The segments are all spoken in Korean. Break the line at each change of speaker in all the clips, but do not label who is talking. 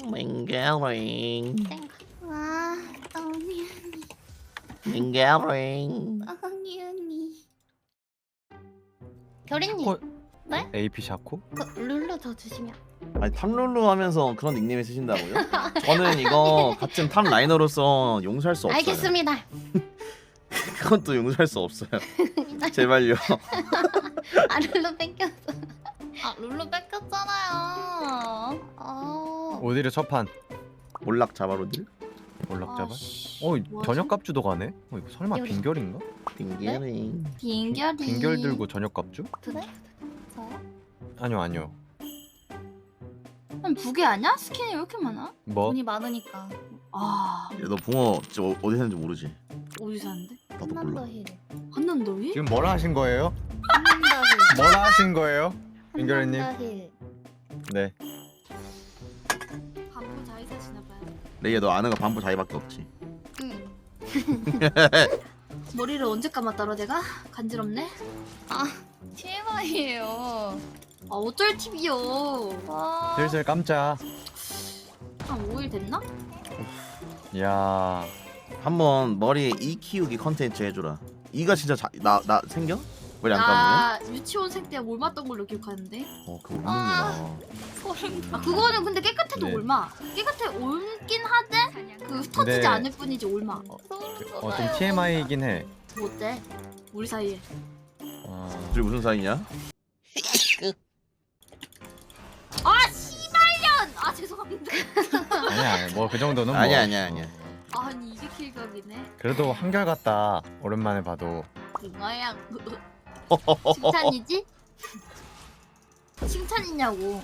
맹게링
아, 언니,
맹게링
언니. 결인님,
샤코?
네?
AP 샤코?
그 룰루 더 주시면.
아니 탑룰루 하면서 그런 닉네임 쓰신다고요? 저는 이거 같은 탑 라이너로서 용서할 수 없어요.
알겠습니다.
그건 또 용서할 수 없어요. 제발요.
아, 룰루 뺏겼어. 아, 룰루 뺏겼잖아요.
오디르 첫판
몰락 자바로들?
올락잡아?
씨,
어
뭐지?
저녁 값주도 가네? 이거 설마
여기.
빈결인가?
딩게링
빈결이.
빈결 들고 저녁 값주?
그래? 저요?
아니요
그럼 부계 아니야? 스킨이 왜 이렇게 많아?
뭐?
돈이 많으니까.
아
야, 너 붕어 진짜 어디 사는지 모르지?
어디 사는데?
나도 몰라.
한남더힐.
한남더위?
지금 뭐라 하신 거예요?
한남더힐.
뭐라 하신 거예요? 빈결이님?
한남더힐.
네
반포 자이 사시나봐요.
레이야 너 아는 거 반부 자기밖에 없지.
응.
머리를 언제 감았더라 내가? 간지럽네?
TMI예요.
아 어쩔 TV요.
와.
슬슬 깜짝
한 5일 됐나?
이야
한번 머리에 이 키우기 컨텐츠 해주라. 이가 진짜 나 생겨? 머리 안 감으면?
나 유치원생 때 올맞던 걸로 기억하는데.
그거 없는구나.
소름 돋아.
아 그거는 근데 깨끗해도
네.
올마. 깨끗해 올긴 하대. 그 흩어지지
네.
않을 뿐이지 올마.
좀 TMI이긴 해
뭐 어때? 우리 사이에.
둘이 무슨 사이냐?
아 씨발년! 아 죄송합니다.
아니야 뭐 그 정도는 뭐
아니야.
아니 이게 킬각이네.
그래도 한결같다 오랜만에 봐도
그거야. 칭찬이지? 칭찬이냐고.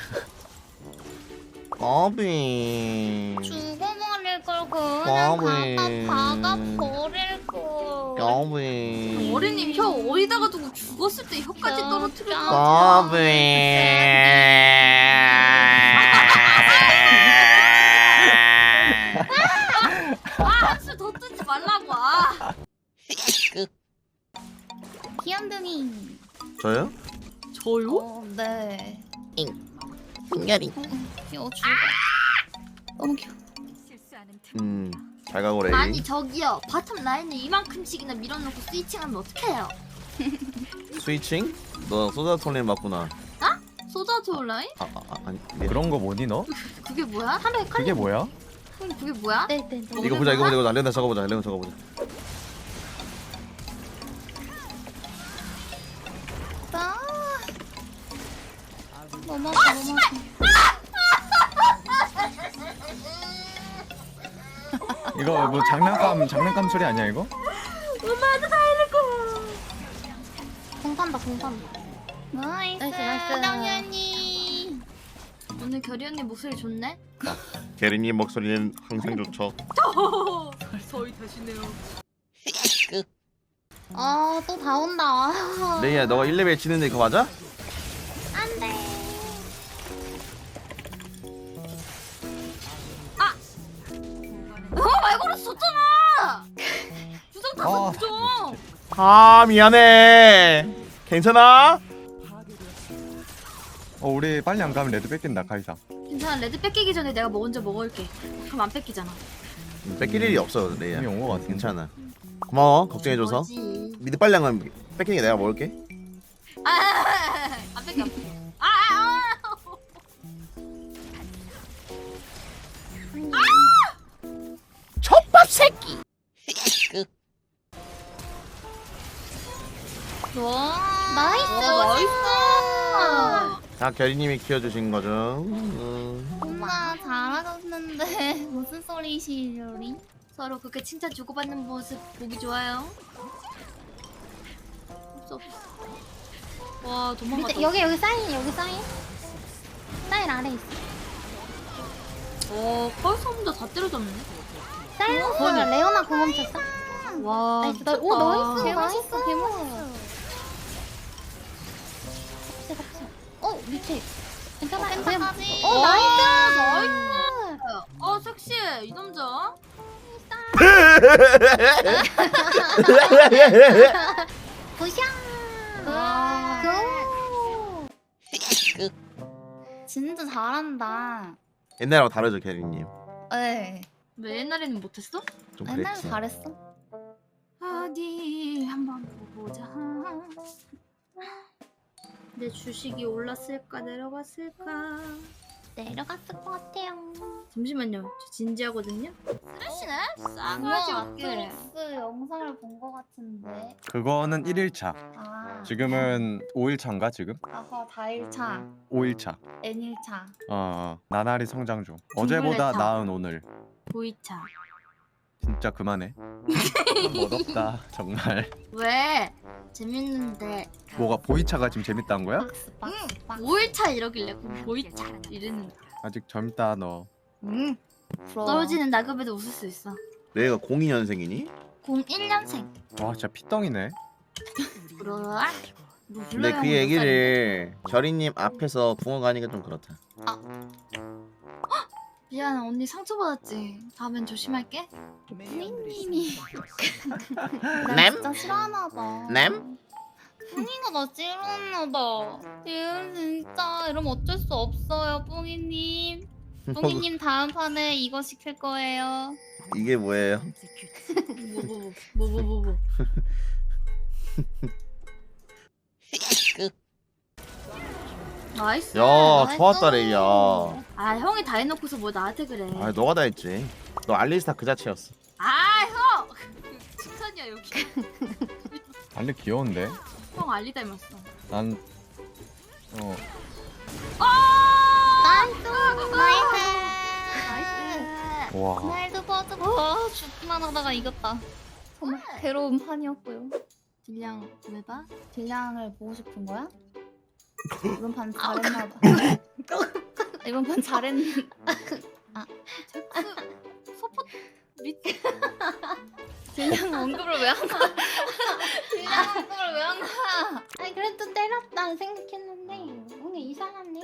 까비.
죽어버릴 걸 그냥
까비.
박아 버릴 걸.
까비.
어린님 혀 어디다가 두고 죽었을 때 혀까지 떨어뜨려.
까비.
한술 더 뜨지 말라고. 아.
귀염둥이.
저요?
저요?
네.
딩게링.
귀여워 죽어. 너무 귀여워.
잘 가고 레이.
아니 저기요 바텀 라인을 이만큼씩이나 밀어놓고 스위칭하면 어떡해요?
스위칭? 너 소다톨린 맞구나.
소다조 라인?
아니.
그런 거 뭐니 너?
그게 뭐야? 하루에
그게 뭐야?
그게 뭐야?
네네네.
이거 보자. 레나 적어보자.
아. 너무 아파 너무 아파.
이거 뭐 장난감 소리 아니야 이거?
엄마한테 다 해놓고.
공 탄다 공 탄다. 나이스
나이스.
당연히.
오늘 결이 언니 목소리 좋네?
게리님 목소리는 항상 좋죠.
저희 다시네요.
아또 다 온다.
레이야 너가 1레벨 치는데 그거 맞아?
안돼.
말고로 줬잖아. 부정 탔어
아,
부정.
아 미안해. 괜찮아?
우리 빨리 안 가면 레드 뺏긴다 카이사
괜찮아 레드 뺏기기 전에 내가 먼저 먹을게. 그럼 안 뺏기잖아.
뺏길 일이 없어 레이야.
이미 온거 같은데
괜찮아. 고마워 걱정해줘서.
뭐지?
미드 빨리 안 가면 뺏기는 게 내가 먹을게.
안 뺏겨.
젖밥 새끼.
와
나이스.
나이스.
다 결이님이 키워주신 거죠.
엄마 잘하셨는데 무슨 소리시려리?
서로 그렇게 칭찬 주고받는 모습 보기 좋아요. 없어. 와 도망갔다.
밑에 여기 사인 사인 아래 있어.
벌써 혼자 다 때려잡네.
사이러스 레오나 공 멈췄어.
와
나이스
미쳤다.
오 나이스 개맛있어 개맛있어. 밑에 괜찮아 펜타까지.
오,
나이스
나이스. 섹시해 이 남자.
부샹.
와.
진짜 잘한다.
옛날하고 다르죠 캐리님.
네.
왜 옛날에는 못했어?
좀
옛날에
그랬지.
잘했어.
어디 한번 보자. 내 주식이 올랐을까 내려갔을까?
내려갔을 것 같아요.
잠시만요. 저 진지하거든요. 쓰레쉬네? 싸가지 없게.
넷플릭스 영상을 본 것 같은데.
그거는 1일차.
아.
지금은 5일차인가 지금?
아까 4일차,
5일차.
N일차.
나날이 성장 중. 어제보다
둥글레차.
나은 오늘.
보이차.
진짜 그만해. 멋없다 정말.
왜? 재밌는데
뭐가 보이차가 지금 재밌다는 거야?
박스, 박스, 박스.
5일차 이러길래 그럼 보이차 이랬는데.
아직 젊다 너.
부러워.
떨어지는 나급에도 웃을 수 있어.
내가 02년생이니?
01년생.
와 진짜 피덩이네.
그러라. 뭐
근데 그 얘기를 결이님 앞에서 붕어 가니까 좀 그렇다.
미안 언니 상처받았지. 다음엔 조심할게.
부인님이
램?
진짜 싫어하나 봐.
램?
뿡이가 나 싫어하나 봐. 진짜 이러면 어쩔 수 없어요, 뿡이님. 뿡이님 다음 판에 이거 시킬 거예요.
이게 뭐예요?
뭐. 나이스.
야 좋았다 레이야.
아 형이 다 해놓고서 뭐 나한테 그래.
아 너가 다 했지. 너 알리스타 그 자체였어.
아 형. 칭찬이야 여기.
알리 귀여운데?
형 알리 닮았어.
난
나이스! 나이스!
와.
그날도 버즈 죽기만 하다가 이겼다. 정말 괴로운 판이었고요.
딜량 왜 봐?
딜량을 보고 싶은 거야? 이번 판 잘했나 봐. 이번 판 잘했는.
소포 밑.
딜량 언급을 왜 한 거야? 딜량 언급을 왜 한 거야? 아니 그래도 때렸다 생각했는데 오늘 이상하네.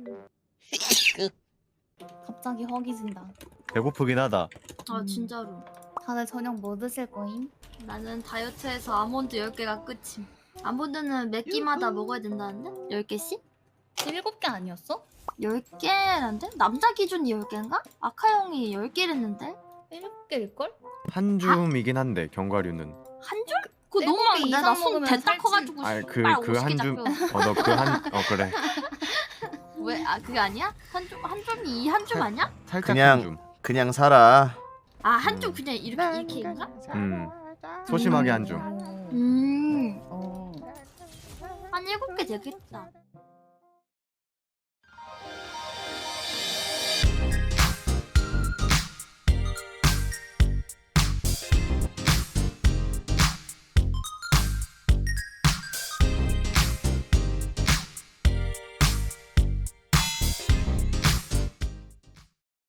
갑자기 허기진다.
배고프긴 하다.
아 진짜로.
다들 저녁 뭐 드실 거임?
나는 다이어트해서 아몬드 10개가 끝임. 아몬드는 몇 끼마다 먹어야 된다는데? 10개씩?
7개 아니었어?
10개란데? 남자 기준이 10개인가? 아카 형이 10개랬는데?
7개일걸?
한 줌이긴 한데 견과류는.
한 줄? 그거
일곱
너무
개
많은데?
이상
나손
먹으면
대딱
살찌-
커가지고
아니 그
빨
그
50개
한 줌.
잡혀.
너 그 한 그래.
왜? 아 그게 아니야? 한 줌이 이 한 줌 아니야?
살짝
그냥-
한 줌.
그냥 살아.
아 한 줌 그냥 이렇게인가?
소심하게 한 줌.
어.
음.
어.
한 7개 되겠다.